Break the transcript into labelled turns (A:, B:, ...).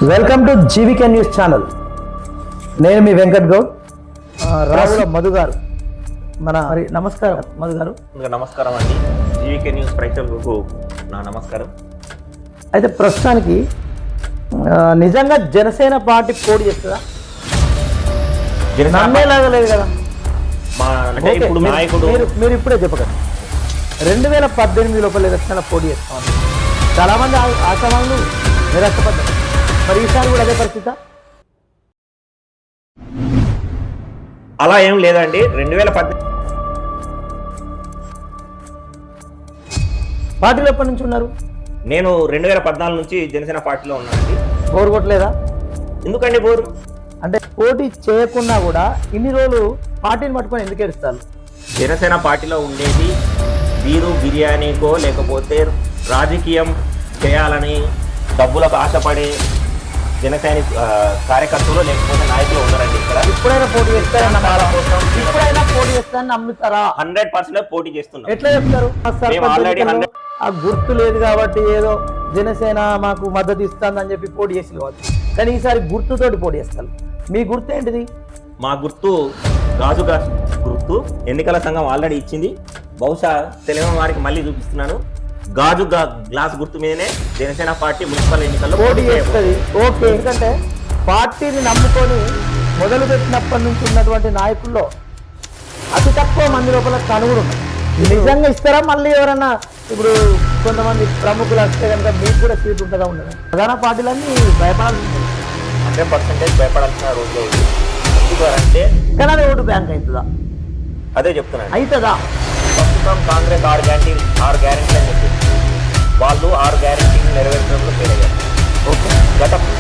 A: Welcome to GVK news channel. నేను మీ వెంకట్ గౌడ్. రావుల మధు గారు మరి నమస్కారం మధు గారు.
B: నమస్కారం అండి. జీవికే న్యూస్ ప్రేక్షకులకు నా నమస్కారం.
A: అయితే ప్రస్తుతానికి నిజంగా జనసేన పార్టీ పోటీ చేస్తుందా? నమ్మేలాగా లేదు కదా.
B: ఇప్పుడు నాయకుడు
A: మీరు ఇప్పుడే చెప్పకండి. 2018 లోపల ఎలక్షన్ల పోటీ చేస్తామని చాలా మంది ఆశావాళ్ళు నిరాశపడ్డారు. మరి ఈసారి కూడా అదే పరిస్థితి?
B: అలా ఏం లేదండి. 2018
A: పార్టీలో ఎప్పటి నుంచి ఉన్నారు?
B: నేను 2014 నుంచి జనసేన పార్టీలో ఉన్నానండి.
A: బోరు కొట్టలేదా?
B: ఎందుకండి బోరు?
A: అంటే పోటీ చేయకున్నా కూడా ఇన్ని రోజులు పార్టీని పట్టుకొని ఎందుకు ఏడుస్తారు?
B: జనసేన పార్టీలో ఉండేది వీరు బిర్యానీకో లేకపోతే రాజకీయం చేయాలని డబ్బులకు ఆశపడే జనసేన కార్యకర్తలు లేకపోతే నాయకులు ఉన్నారండి. ఇక్కడ
A: ఇప్పుడైనా పోటీ చేస్తారని నమ్ముతారా?
B: 100% పోటీ చేస్తున్నాం.
A: ఎట్లా చెప్తారు? ఆ గుర్తు లేదు కాబట్టి ఏదో జనసేన మాకు మద్దతు ఇస్తుందని చెప్పి పోటీ చేసి కావచ్చు, కానీ ఈసారి గుర్తుతోటి పోటీ చేస్తారు. మీ గుర్తు ఏంటిది?
B: మా గుర్తు గాజు గుర్తు. ఎన్నికల సంఘం ఆల్రెడీ ఇచ్చింది. బహుశా తెలియని వారికి మళ్ళీ చూపిస్తున్నాను. గాజు గ్లాస్ గుర్తు మీదనే జనసేన పార్టీ మున్సిపల్ ఎన్నికల్లో
A: పోటీ చేస్తుంది. ఓకే, ఎందుకంటే పార్టీని నమ్ముకొని మొదలు పెట్టినప్పటి నుంచి ఉన్నటువంటి నాయకుల్లో అతి తక్కువ మంది లోపల కనుగొడు నిజంగా ఇస్తారా? మళ్ళీ ఎవరన్నా ఇప్పుడు కొంతమంది ప్రముఖులు వస్తే కనుక మీకు కూడా సీట్ ఉంటుందా? ఉండదు. ప్రధాన పార్టీలన్నీ భయపడాల్సి ఉంటుంది.
B: 100% భయపడాల్సిన రోజులో ఉంది. ఎందుకంటే
A: కానీ అది ఓటు బ్యాంక్ అవుతుందా?
B: అదే చెప్తున్నాను.
A: అవుతుందా?
B: ప్రస్తుతం కాంగ్రెస్ 6 గ్యారెంటీలు అని చెప్పి వాళ్ళు 6 గ్యారెంటీలు నెరవేర్చడంలో ఫెయిల్ అయ్యారు. ఓకే, గత